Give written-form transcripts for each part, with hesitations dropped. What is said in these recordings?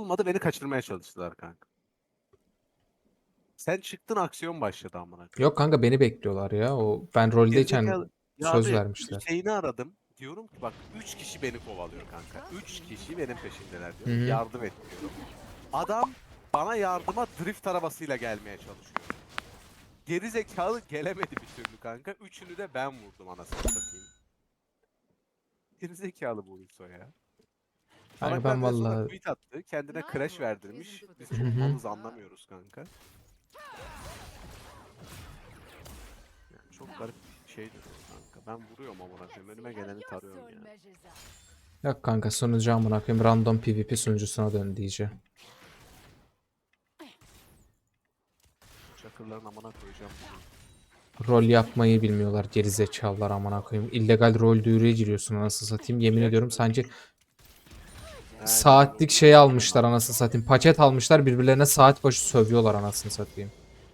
olmadı, beni kaçırmaya çalıştılar kanka. Sen çıktın, aksiyon başladı amına koyayım. Yok kanka beni bekliyorlar ya. O ben roldeyken Gerizekalı. Ya söz abi vermişler. şeyini aradım. Diyorum ki bak 3 kişi beni kovalıyor kanka. 3 kişi benim peşimdeler Hı diyorum. hı. Yardım et diyorum. Adam bana yardıma drift arabasıyla gelmeye çalışıyor. Gerizekalı gelemedi bir türlü kanka. Üçünü de ben vurdum anasını satayım. Gerizekalı bu Ulso ya. Kanka Salaklar ben bir de sonra vallahi tweet attı. Kendine crash verdirmiş. Biz hı çok hı. malız anlamıyoruz kanka. Yani çok garip bir şey duruyor kanka. Ben vuruyorum amına koyayım. Önüme geleni tarıyorum ya. Yok kanka sunucu amına koyayım random PvP sunucusuna dön diyeceğim. Çakırların amına koyacağım bunu. Rol yapmayı bilmiyorlar gerizekalılar amına koyayım. İllegal rol duyuruya giriyorsun anasını satayım. Yemin ediyorum sanki saatlik şey almışlar anasını satayım. Paket almışlar birbirlerine saat başı sövüyorlar anasını satayım.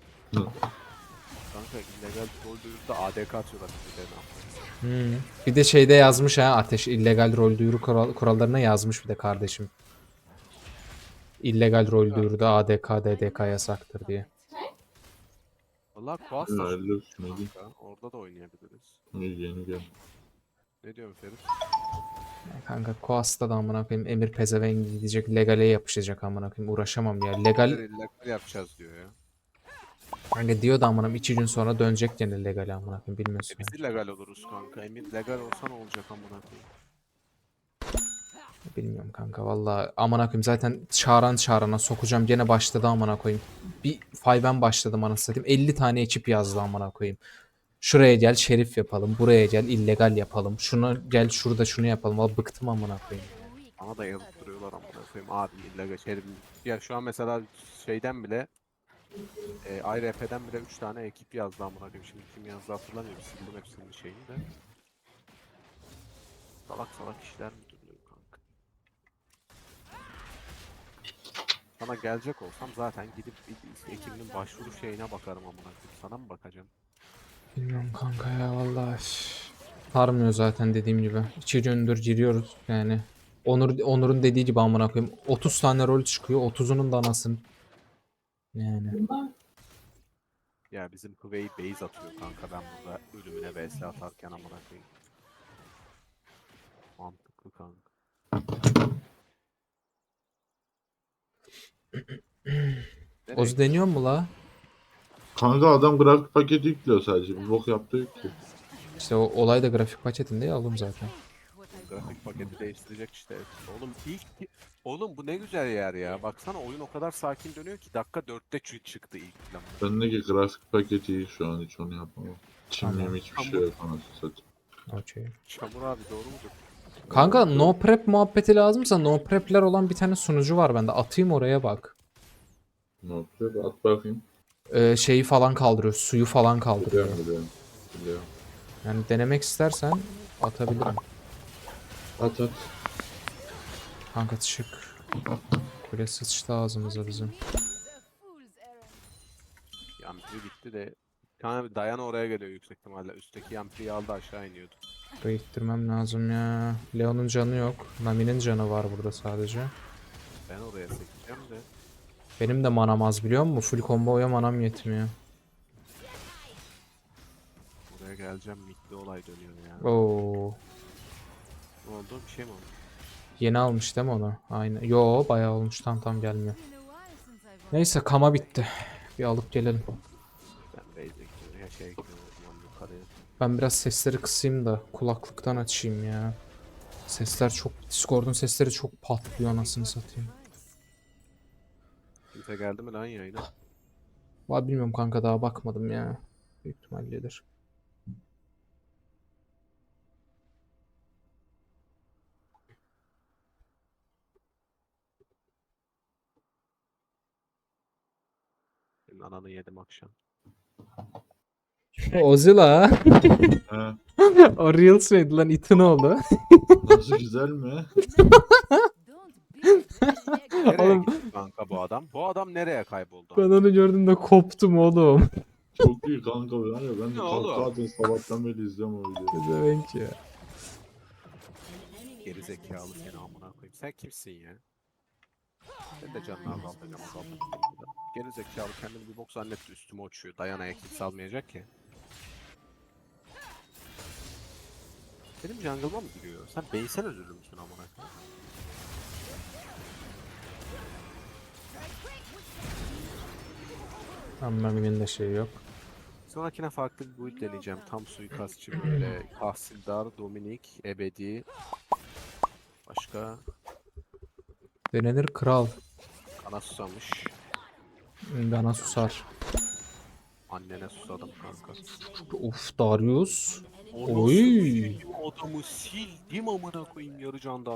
Kanka illegal rol duyuruda ADK atıyorlar birbirlerine amına. Bir de şeyde yazmış ha Ateş illegal rol duyuru kurallarına yazmış bir de kardeşim. İllegal rol Ya, duyuruda ADK DDK yasaktır diye. valla Kuas da Hayırlı sunucu olsun Ege. kanka. Orada da oynayabiliriz. Yeni gel. Ne diyorsun Ferit? Kanka Koas'ta da amına koyayım Emir pezevenk gidecek legale yapışacak amına koyayım uğraşamam ya. Legal İllegal yapacağız diyor ya. kanka diyor da amına koyayım 2 gün sonra dönecek gene legale amına koyayım bilmiyorsun. Biz illegal oluruz kanka. Emir legal olsa ne olacak amına koyayım? Bilmiyorum kanka valla amına koyayım zaten çağırana sokacağım gene başladı amına koyayım. Bir 5'en başladım anasını satayım 50 tane ekip yazdı amına koyayım. Şuraya gel şerif yapalım, buraya gel illegal yapalım. Şuna gel şurada şunu yapalım. Valla bıktım amına koyayım. Bana da yazıp duruyorlar amına koyayım. Abi illegal şerif. Ya şu an mesela şeyden bile IRF'den bile 3 tane ekip yazdı amına koyayım. Şimdi kim yazdı hatırlamıyorum. Sildim hepsinin şeyini de. Salak salak işler mi dönüyor kanka? Sana gelecek olsam zaten gidip bir ekibinin başvuru şeyine bakarım amına koyayım. Sana mı bakacağım? Bilmiyorum kanka ya vallahi. Sarmıyor zaten dediğim gibi. 2 gündür giriyoruz yani. Onur'un dediği gibi amına koyayım. 30 tane rol çıkıyor. 30'unun da anasını. Yani. Ya bizim Hüvey base atıyor kanka ben burada ölümüne vs atarken amına koyayım. Mantıklı kanka. Nereye Ozu deniyor gidiyorsun? mu la? Kanka adam grafik paketi yüklüyor sadece. Bir bok yaptı yok ki. İşte o olay da grafik paketinde ya oğlum zaten. Grafik paketi değiştirecek işte. Oğlum Oğlum bu ne güzel yer ya. Baksana oyun o kadar sakin dönüyor ki dakika 4'te çıktı ilk plan. Bendeki grafik paketi iyi şu an hiç onu yapamam. Tamam. Çimliğim hiçbir şey yok anasını satayım. Okey. Çamur abi doğru mudur? Kanka no prep muhabbeti lazımsa no prep'ler olan bir tane sunucu var bende. Atayım oraya bak. Ne yapıyor? At bakayım. Şeyi falan kaldırıyor. Suyu falan kaldırıyor. Biliyorum. Biliyorum. Yani denemek istersen atabilirim. At at. Kanka çık. Kule sıçtı ağzımıza bizim. Yampiri gitti de. Bir tane Diana oraya geliyor yüksek ihtimalle. Üstteki Yampiri'yi aldı aşağı iniyordu. Burayı ittirmem lazım ya. Leon'un canı yok. Nami'nin canı var burada sadece. Ben oraya sekeceğim de. Benim de manam az biliyor musun? Full combo'ya manam yetmiyor. Buraya geleceğim mitli olay dönüyor ya. Oo. Ne oldu? Bir şey mi oldu? Yeni almış değil mi onu? Aynen. Yo bayağı olmuş. Tam gelmiyor. Neyse kama bitti. Bir alıp gelelim. Ben base'e gidiyorum. Ya şeye gidiyorum o zaman yukarıya. Ben biraz sesleri kısayım da kulaklıktan açayım ya. Sesler çok... Discord'un sesleri çok patlıyor anasını satayım. Kimse geldi mi lan yayına? Vallahi bilmiyorum kanka daha bakmadım ya. Büyük ihtimalle gelir. Senin ananı yedim akşam. Ozila. He. O Reels miydi lan itin oldu. Nasıl güzel mi? Nereye Oğlum gitti kanka bu adam? Bu adam nereye kayboldu? ben onu gördüğümde koptum oğlum. Çok iyi kanka. Ben de Ne oğlum? kahkaha sabahtan beri izliyorum o videoyu. Demek ya. Geri zekalı seni amına koyayım. Sen kimsin ya? Sen Senin de canını azaltacağım. Geri zekalı kendini bir bok zannetti üstüme uçuyor. Dayana'ya kimse almayacak ki. Benim jungle'ıma mı giriyor? Sen base'en özürlü müsün amına koyayım? Anlamının da şey yok. Sonrakine farklı bir build deneyeceğim. Tam suikastçı böyle. Tahsildar, Dominik, Ebedi. Başka Denenir kral. kana susamış. Bana susar. Annene susadım kanka. Uf Darius. Onu Oy. sikeyim, adamı sildim amına koyayım yarı candan.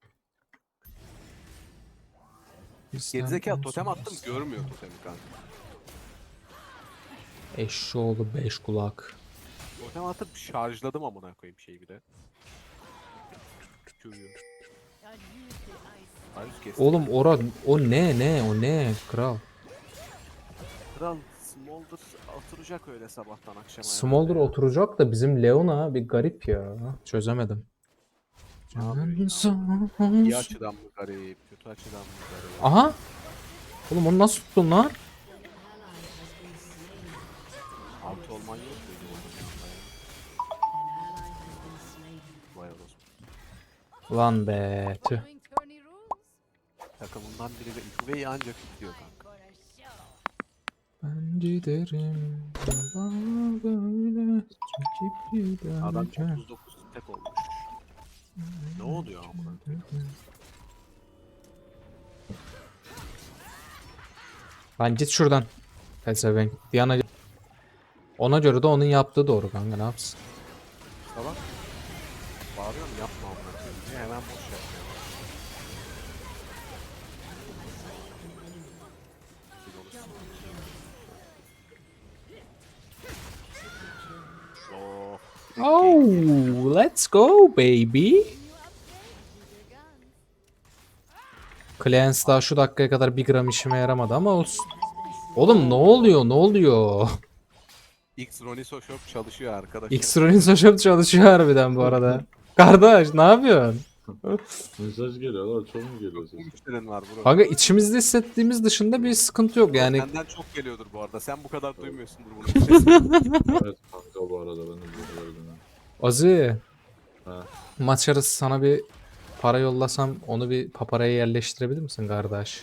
Gerizekalı totem attım görmüyor totemi kanka. Eşşoğlu 5 kulak. Totem atıp şarjladım amına koyayım şeyi bir de. Tükürüyor. Darius kesti. Oğlum o ne kral. Kral Smolder oturacak öyle sabahtan akşama. Smolder herhalde ya. oturacak da bizim Leona bir garip ya. Çözemedim. Ne yapıyor ya? İyi açıdan mı garip, kötü açıdan mı garip? Aha. Oğlum onu nasıl tuttun lan? Altı olman yok muydu onun yanında ya? Vay orospu. Lan be tüh. Takımından biri de Üveyi ancak tutuyor kanka. Ben giderim. Yalan böyle çekip Adam giderken. 39 tek olmuş. Ne oluyor amına koyayım? Lan git şuradan. Pezevenk. Diana. Ona göre de onun yaptığı doğru kanka ne yapsın? Salak. Bağırıyorum yapma amına koyayım diye hemen boş yapıyor. Oh. Oh, let's go baby. Clans daha şu dakikaya kadar 1 gram işime yaramadı ama olsun. Oğlum ne oluyor ne oluyor? X Roniso Shop çalışıyor arkadaşlar. X-Ronin Social çalışıyor harbiden bu arada. Kardeş ne yapıyorsun? Mesaj geliyor lan, çok mu geliyor Çok ses? müşterin var bro. Kanka içimizde hissettiğimiz dışında bir sıkıntı yok yani. Senden çok geliyordur bu arada. Sen bu kadar duymuyorsundur bunun sesini. Evet kanka, bu arada ben de bu arada. Azi. Ha. Maç arası sana bir para yollasam onu bir paparaya yerleştirebilir misin kardeş?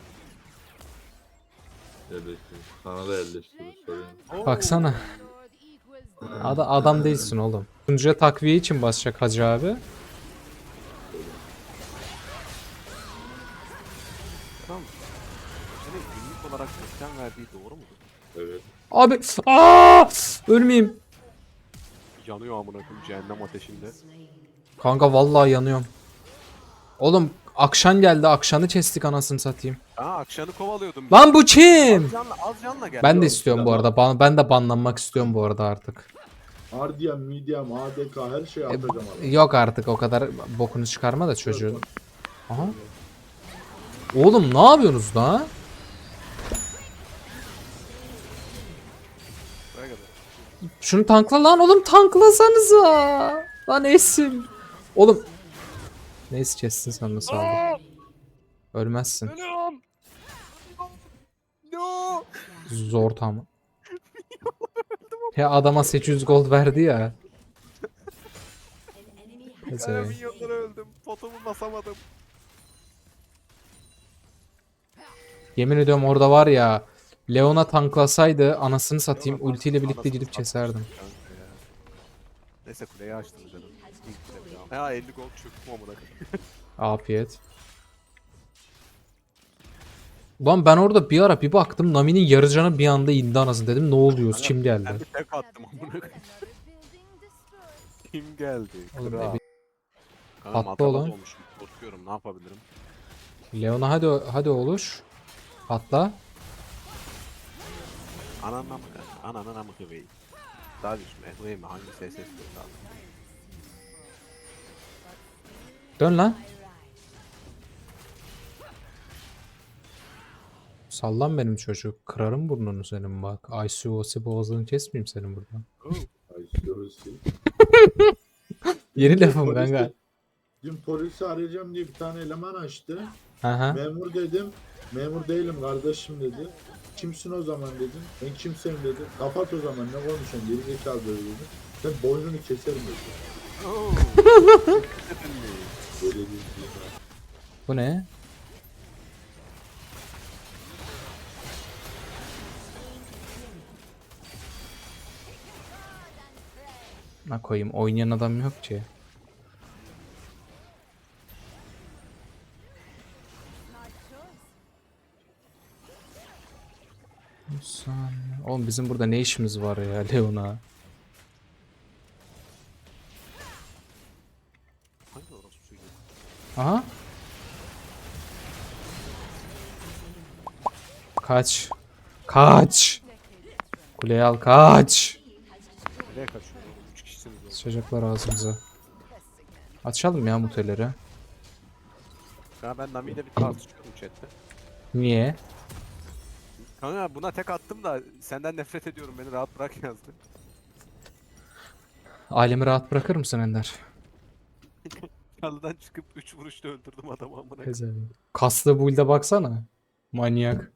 Yerleştirir. Sana da yerleştirir, sorayım. Baksana. Adam değilsin oğlum. Sunucuya takviye için basacak Hacı abi. Tamam. Senin günlük olarak ekran verdiği doğru mu? Evet. Abi ölmeyeyim. Yanıyor amına koyayım cehennem ateşinde. Kanka vallahi yanıyorum. Oğlum Akşan geldi. Akşan'ı kestik anasını satayım. Akşamı kovalıyordum. Lan bu kim? Az canla gel. Ben de istiyorum bu arada. Ben de banlanmak istiyorum bu arada artık. Ardian, Medium, ADK her şeyi atacağım abi. Yok artık o kadar bokunu çıkarma da çocuğun. Aha. Oğlum ne yapıyorsunuz lan? Buraya kadar. Şunu tankla lan oğlum tanklasanıza. Lan Esim. Oğlum. Neyse kessin sen nasıl aldın. Ölmezsin. Ölüyorum. No. Zor tam. Ya adama 800 gold verdi ya. Ben Neyse. milyonlara öldüm. Potomu basamadım. Yemin ediyorum orada var ya. Leona tanklasaydı anasını satayım Leona ultiyle birlikte anasını gidip keserdim. satmıştım kanka ya. Neyse kuleyi açtım canım. İlk kule ya. Ha 50 gol çöktüm amına koyayım. Afiyet. Lan ben orada bir ara bir baktım Nami'nin yarı canı bir anda indi anasını dedim ne oluyoruz kim Ben geldi? bir tek attım amına koyayım. Kim geldi? Oğlum, Kral. ebi- Kanka Patlı matabaz olan. olmuşum. Korkuyorum ne yapabilirim? Leona hadi oluş. Patla. Ananına mı kanka? Ananına mı kıvayı? Daha düşme. Kıvayı mı? Hangi ses istiyor abi? Dön lan. Sallan benim çocuk. Kırarım burnunu senin bak. ICOC boğazını kesmeyeyim senin buradan. Oh. Ay şurası. Yeni lafım kanka. Dün polisi arayacağım diye bir tane eleman açtı. Aha. Memur dedim. Memur değilim kardeşim dedi. Kimsin o zaman dedim. Ben kimseyim dedi. Kapat o zaman ne konuşuyorsun geri zekalı böyle dedi. Ben boynunu keserim dedi. Oo. Böyle bir şey var. Bu ne? Ne koyayım? Oynayan adam yok ki. Oğlum bizim burada ne işimiz var ya Leona? Hangi orası çocuğu? Aha. Kaç. Kaç. Kuleye al kaç. Nereye kaçıyor oğlum? 3 kişisiniz oğlum. Sıçacaklar ağzımıza. Açalım ya muteleri. Ya ben Nami ile bir tartışıyorum chatte. Niye? Kanka buna tek attım da senden nefret ediyorum beni rahat bırak yazdı. Ailemi rahat bırakır mısın Ender? Yalıdan çıkıp 3 vuruşta öldürdüm adamı amına. koyayım. Pezevenk. Kaslı build'e baksana. Manyak.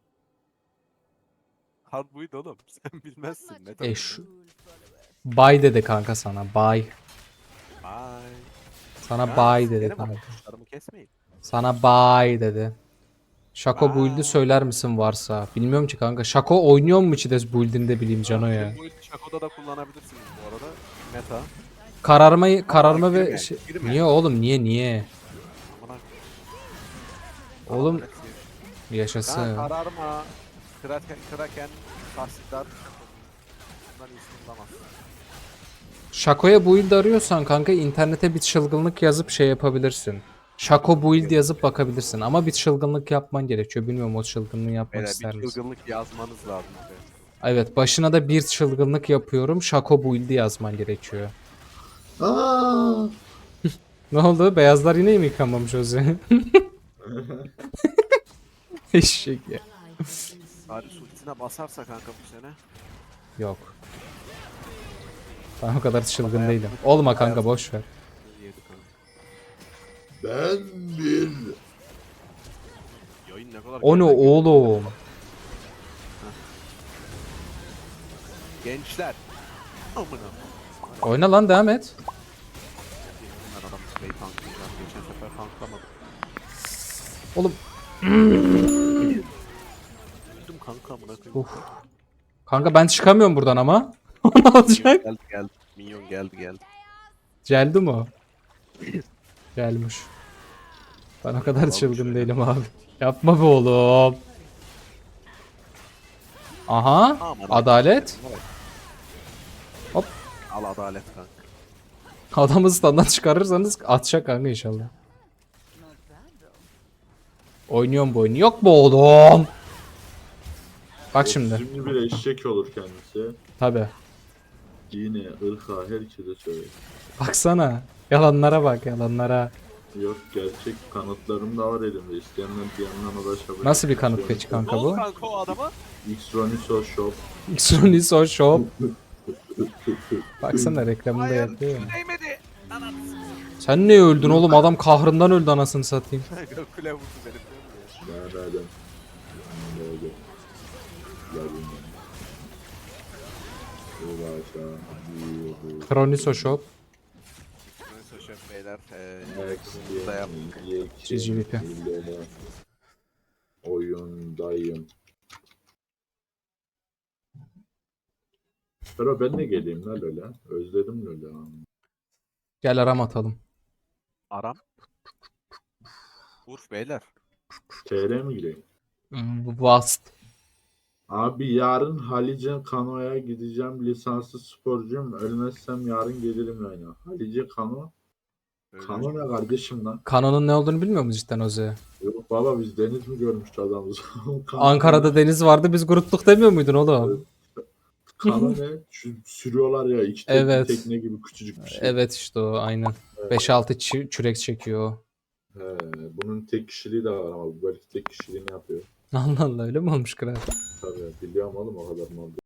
Hard buydu oğlum. Sen bilmezsin. Meta Eş. Bye dedi kanka sana. Bye. Bye. Sana Ya, bye dedi benim kanka. kuşlarımı kesmeyin. Sana bye dedi. Şako Bye. build'i söyler misin varsa? Bilmiyorum ki kanka. Şako oynuyor mu Çides build'inde bileyim Cano ya. Bu Shaco'da da kullanabilirsiniz bu arada. Meta. Kararma ve girme, şey... girme. Niye oğlum niye? Amına. Oğlum Amına koyayım. yaşasın. Ya kararma. Kraken. Tahsildar. Bundan iyisini bulamazsın. Şako'ya build arıyorsan kanka internete bir çılgınlık yazıp şey yapabilirsin. Şako build yazıp bakabilirsin ama bir çılgınlık yapman gerekiyor. Bilmiyorum o çılgınlığı yapmak Böyle ister bir misin? çılgınlık yazmanız lazım. Be. Evet başına da bir çılgınlık yapıyorum. Şako build'i yazman gerekiyor. Aa! Ne oldu? Beyazlar yine mi yıkanmamış o zaman? Eşek ya. Bari ultisine basarsa kanka bu sene. Yok. Ben o kadar çılgın değilim. Olma kanka boş ver. Yedi kanka. Ben bir Yayın ne kadar O ne geriden geliyor. oğlum? Gençler. Amına. Oyna lan devam et. Ben adam play tanklayacağım. Geçen sefer tanklamadım. Oğlum. Öldüm kanka amına koyayım. Uf. Kanka ben çıkamıyorum buradan ama. Ne olacak? Geldi. Minyon geldi. Geldi mi o? Gelmiş. Ben o kadar Almış çılgın öyle. değilim abi. Yapma be oğlum. Aha. Aman Adalet. Allah'ım. Hop. Al adalet kanka. Adamı standdan çıkarırsanız atacak kanka inşallah. Oynuyorum bu oyunu. Yok mu oğlum? Bak şimdi. Şimdi bir eşek olur kendisi. Tabi. Dine, ırka, herkese söyler. Baksana. Yalanlara bak yalanlara. Yok gerçek kanıtlarım da var elimde. İsteyenler bir yandan ulaşabilir. Nasıl bir kanıt peki Ne kanka oldu bu? kanka o adama? Xroniso Shop. Xroniso Shop. Baksana reklamını da Hayır. yapıyor. Şu değmedi. Sen ne öldün oğlum? Adam kahrından öldü anasını satayım. Kule vurdu beni biliyor musun ya? Nereden? Nerede? Geldim ben. Ulaşa. Yürü. Kroniso Shop. Neyse şef beyler. Next Burada yap. GGVP. ile oyundayım. Pero ben de geleyim lan öyle. Özledim öyle. Gel aram atalım. Aram. Urf beyler. TR mi gireyim? Vast. Abi yarın Halice Kano'ya gideceğim. Lisanslı sporcuyum. Ölmezsem yarın gelirim yani. Halice Kano. Öyle Kano ne kardeşim lan? Kanonun ne olduğunu bilmiyor musun cidden Oze? Yok baba biz deniz mi görmüştü adamız? Ankara'da deniz vardı biz grupluk demiyor muydun oğlum? Kano ne? Sürüyorlar ya iki Evet. tekne gibi küçücük bir şey. Evet işte o aynen. 5-6 çürek çekiyor o. He, bunun tek kişiliği de var ama bu belki tek kişiliğini yapıyor. Allah Allah öyle mi olmuş kral? Tabii biliyorum oğlum o kadar mı oldu.